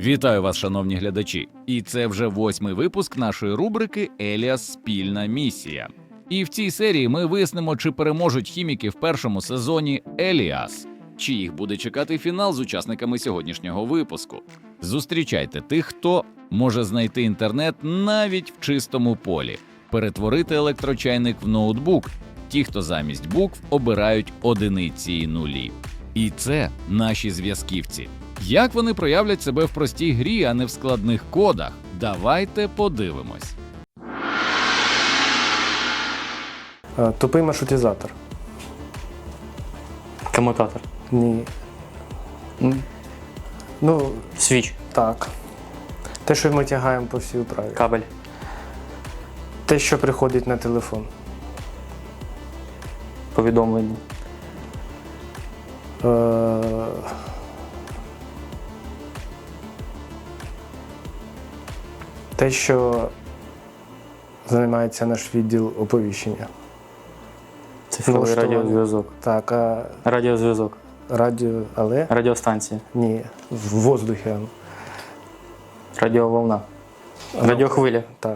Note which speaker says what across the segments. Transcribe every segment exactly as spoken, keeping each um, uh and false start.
Speaker 1: Вітаю вас, шановні глядачі! І це вже восьмий випуск нашої рубрики «Еліас. Спільна місія». І в цій серії ми вияснимо, чи переможуть хіміки в першому сезоні «Еліас», чи їх буде чекати фінал з учасниками сьогоднішнього випуску. Зустрічайте тих, хто може знайти інтернет навіть в чистому полі, перетворити електрочайник в ноутбук, ті, хто замість букв обирають одиниці і нулі. І це наші зв'язківці. Як вони проявлять себе в простій грі, а не в складних кодах? Давайте подивимось.
Speaker 2: Тупий маршрутизатор.
Speaker 3: Комутатор.
Speaker 2: Ні. Ну,
Speaker 3: Свіч.
Speaker 2: так. Те, що ми тягаємо по всій управі.
Speaker 3: Кабель.
Speaker 2: Те, що приходить на телефон.
Speaker 3: Повідомлення.
Speaker 2: Е... Те, що займається наш відділ оповіщення.
Speaker 3: Цифровий
Speaker 2: Налаштування.
Speaker 3: радіозв'язок.
Speaker 2: Так, а
Speaker 3: Радіозв'язок.
Speaker 2: радіо, але
Speaker 3: Радіостанція.
Speaker 2: ні, в воздухі. воно.
Speaker 3: Радіоволна. Радіохвиля.
Speaker 2: Так.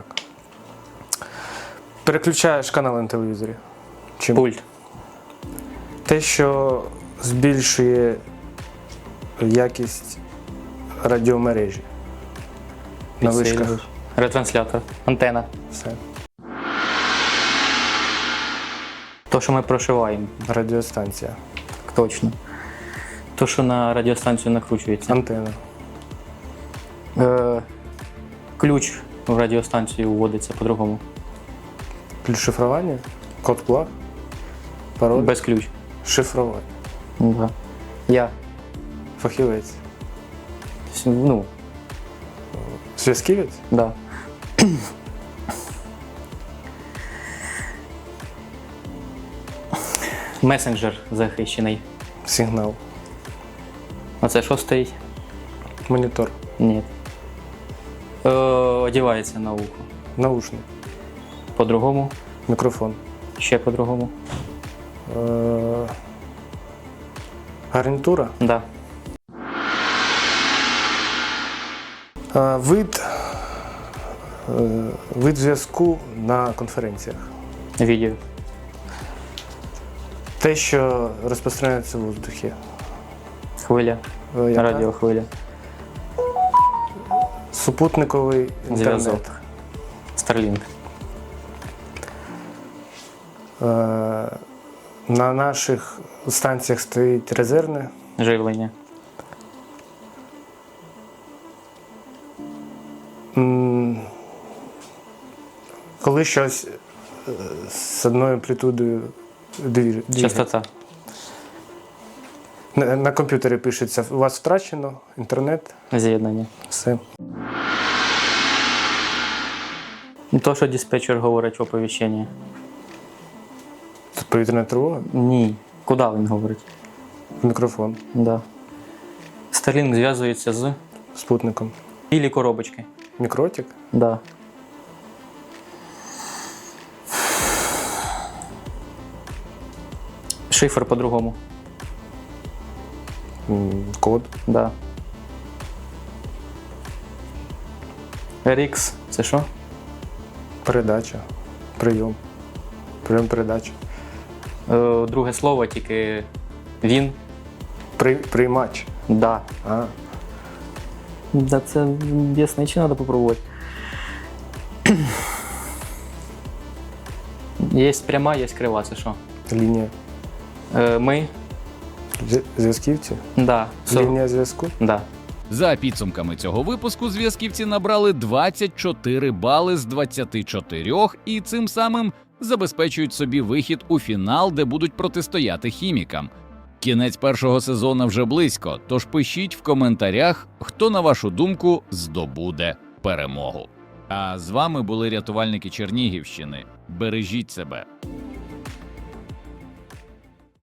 Speaker 2: Переключаєш канал на телевізорі. Чим?
Speaker 3: Пульт.
Speaker 2: Те, що збільшує якість радіомережі. На вишках.
Speaker 3: Підсилювач. Ретранслятор. Антена.
Speaker 2: Все.
Speaker 3: То, що ми прошиваємо.
Speaker 2: Радіостанція.
Speaker 3: Так точно. То, що на радіостанцію накручується.
Speaker 2: Антена.
Speaker 3: Е, ключ в радіостанцію вводиться по-другому.
Speaker 2: Ключ шифрування. Код плаг. Пароль.
Speaker 3: Без ключ.
Speaker 2: Шифрування.
Speaker 3: Да. Я.
Speaker 2: Фахівець.
Speaker 3: Ну,
Speaker 2: Зв'язківець.
Speaker 3: да. Месенджер захищений.
Speaker 2: Сигнал.
Speaker 3: А це що стоїть?
Speaker 2: Монітор.
Speaker 3: Ні. Е, одягається на ухо.
Speaker 2: Наушник.
Speaker 3: По-другому.
Speaker 2: Мікрофон.
Speaker 3: Ще по-другому.
Speaker 2: Е... Гарнітура.
Speaker 3: Да.
Speaker 2: Е, Вид. е, Вид зв'язку на конференціях.
Speaker 3: Відео.
Speaker 2: Те, що розпространяється в воздухі.
Speaker 3: Хвиля.
Speaker 2: Е, яка?
Speaker 3: Радіохвиля.
Speaker 2: Супутниковий інтернет.
Speaker 3: Зв'язок. Starlink.
Speaker 2: Е, На наших станціях стоїть резервне.
Speaker 3: Живлення.
Speaker 2: М, Коли щось е, з одною амплітудою дві- дві-
Speaker 3: Частота.
Speaker 2: На, на комп'ютері пишеться, у вас втрачено інтернет,
Speaker 3: З'єднання.
Speaker 2: все.
Speaker 3: То, що диспетчер говорить в оповіщенні.
Speaker 2: Це повітряна тривога,
Speaker 3: Ні. Куди він говорить?
Speaker 2: мікрофон,
Speaker 3: Да. Starlink зв'язується з
Speaker 2: спутником.
Speaker 3: білі коробочки.
Speaker 2: Мікротик,
Speaker 3: Да. Шифр по-другому.
Speaker 2: м, код,
Speaker 3: Да. ар ікс – це що?
Speaker 2: передача, прийом, прийом передача.
Speaker 3: Е, друге слово, тільки він.
Speaker 2: При, приймач.
Speaker 3: Да.
Speaker 2: А,
Speaker 3: Да, це ясно, чи треба попробувати. Є пряма, є крива, це що?
Speaker 2: лінія.
Speaker 3: Е, ми.
Speaker 2: Зв'я- Зв'язківці.
Speaker 3: Да. Со-
Speaker 2: Лінія зв'язку.
Speaker 3: Да.
Speaker 1: За підсумками цього випуску зв'язківці набрали двадцять чотири бали з двадцяти чотирьох і цим самим забезпечують собі вихід у фінал, де будуть протистояти хімікам. Кінець першого сезону вже близько, тож пишіть в коментарях, хто, на вашу думку, здобуде перемогу. А з вами були рятувальники Чернігівщини. Бережіть себе.